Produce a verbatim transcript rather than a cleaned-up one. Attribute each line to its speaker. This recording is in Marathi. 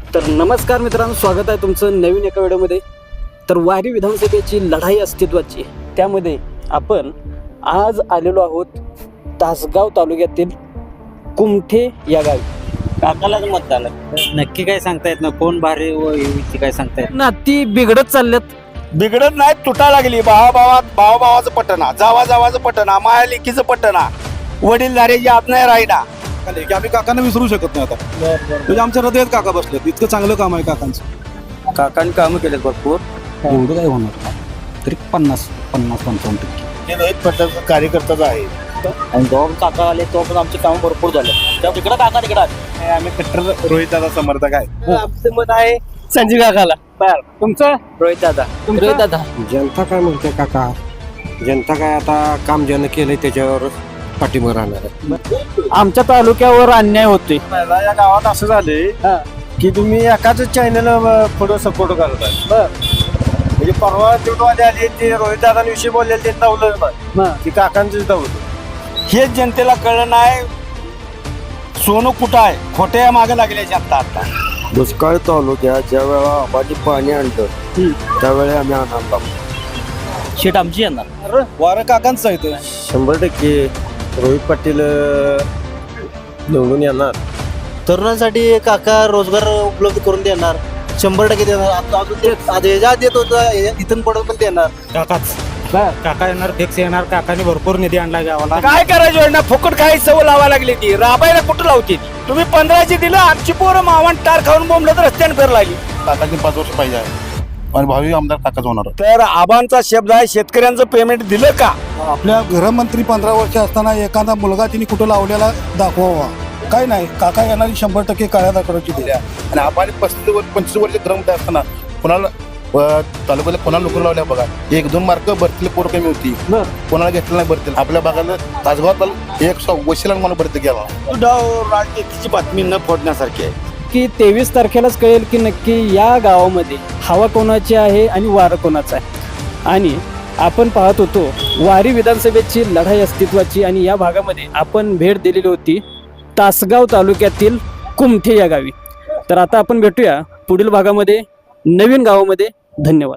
Speaker 1: तर नमस्कार मित्रांनो, स्वागत आहे तुमचं नवीन एका व्हिडिओमध्ये. तर वारी विधानसभेची लढाई अस्तित्वाची, त्यामध्ये आपण आज आलेलो आहोत तासगाव तालुक्यातील कुमठे या गावी.
Speaker 2: काकालाच मतदान नक्की काय सांगता येत ना, कोण भारी व युती काय सांगता येत
Speaker 1: नाती बिघडत चालल्यात.
Speaker 3: बिघडत नाही, तुटा लागली. भावा भावात भावा भावाचं पटना, जावा जावाचं पटना, माया लेकीचं पटना, वडीलधारे याद नाही राहिना.
Speaker 4: की आम्ही काकांना विसरू शकत नाही आता. म्हणजे आमच्या हृदयात काका बसलेत. इतकं चांगलं काम आहे काकांचं.
Speaker 2: काकांनी कामं केलेत भरपूर.
Speaker 4: एवढं काय होणार तरी पन्नास पन्नास पंचावन्न टक्के
Speaker 3: हे रोहित पटेल कार्यकर्ताच आहे.
Speaker 2: आणि दोन काका आले तो पण आमची कामं भरपूर झाले. त्या तिकडं काका तिकडं आले.
Speaker 3: आम्ही कट्टर रोहिताचा समर्थक आहे.
Speaker 2: आमचं मत आहे संजीव काकाला. बर, तुमचं रोहित दादा.
Speaker 1: रोहित दादा,
Speaker 5: जनता काय म्हणते काका? जनता काय आता काम ज्यानं केलंय त्याच्यावर पाठिंबा राहणार आहे.
Speaker 1: आमच्या तालुक्यावर अन्याय होतोय.
Speaker 3: मला या गावात असं झाले की तुम्ही एकाच चॅनल पुढे सपोर्ट करत आहे. म्हणजे परवा तेवढे आले ते रोहित दादांविषयी बोललेले ते दावलं की काकांचं दावलं. हेच जनतेला कळलं नाही सोनं कुठं आहे. खोट्या मागे लागले जनता आता.
Speaker 5: दुष्काळ तालुक्यात ज्या वेळा आबादी पाणी आणलं त्यावेळी आम्ही आनंद
Speaker 2: शेट आमची येणार.
Speaker 4: वारं काकांचं आहे इथं.
Speaker 5: शंभर टक्के रोहित पाटील निवडून येणार.
Speaker 6: तरुणांसाठी काका रोजगार उपलब्ध करून देणार, शंभर टक्के देणार. आता अजून ते आधी देत होतं, इथून पुढे पण देणार.
Speaker 2: काकाच काका येणार, फिक्स येणार. काकाने भरपूर निधी आणला गावाला.
Speaker 3: काय करायचं योजना फुकट काही सवय लावा लागली ती राबायला कुठं लावते ती. तुम्ही पंधराशे दिलं, आमची पोरं मावण टार खाऊन बोंबलं तर रस्त्याने फिर लागली.
Speaker 4: काकाची पाच वर्ष पाहिजे आहे आणि भावी आमदार काकाच होणार.
Speaker 3: तर आबांचा शब्द आहे, शेतकऱ्यांचं पेमेंट दिलं का?
Speaker 4: आपल्या गृहमंत्री पंधरा वर्ष असताना एखादा मुलगा तिने कुठं लावलेला दाखवावा. काय नाही, काका येणारी शंभर टक्के काळ्या दाखवायची दिल्या.
Speaker 7: आणि आपण पस्तीस वर्ष पंचवीस वर्ष ग्राममध्ये असताना कोणाला तालुक्याला कोणाला नोकरी लावल्या बघा. एक दोन मार्क भरतील पोरं कमी होती, कोणाला घेतलं नाही भरतील. आपल्या भागाला तासगावात एक वशिला मला भरती गेला.
Speaker 3: राजनीतीची बातमी न फोडण्यासारखी आहे.
Speaker 1: की तेवीस तारखेलाच कळेल की नक्की या गावामध्ये हवा कोणाची आहे आणि वारं कोणाचं आहे. आणि आपण पाहत होतो वारी विधानसभेची लढाई अस्तित्वाची, आणि या भागामध्ये आपण भेट दिलेली होती तासगाव तालुक्यातील कुमठे या गावी. तर आता आपण भेटूया पुढील भागामध्ये नवीन गावामध्ये. धन्यवाद.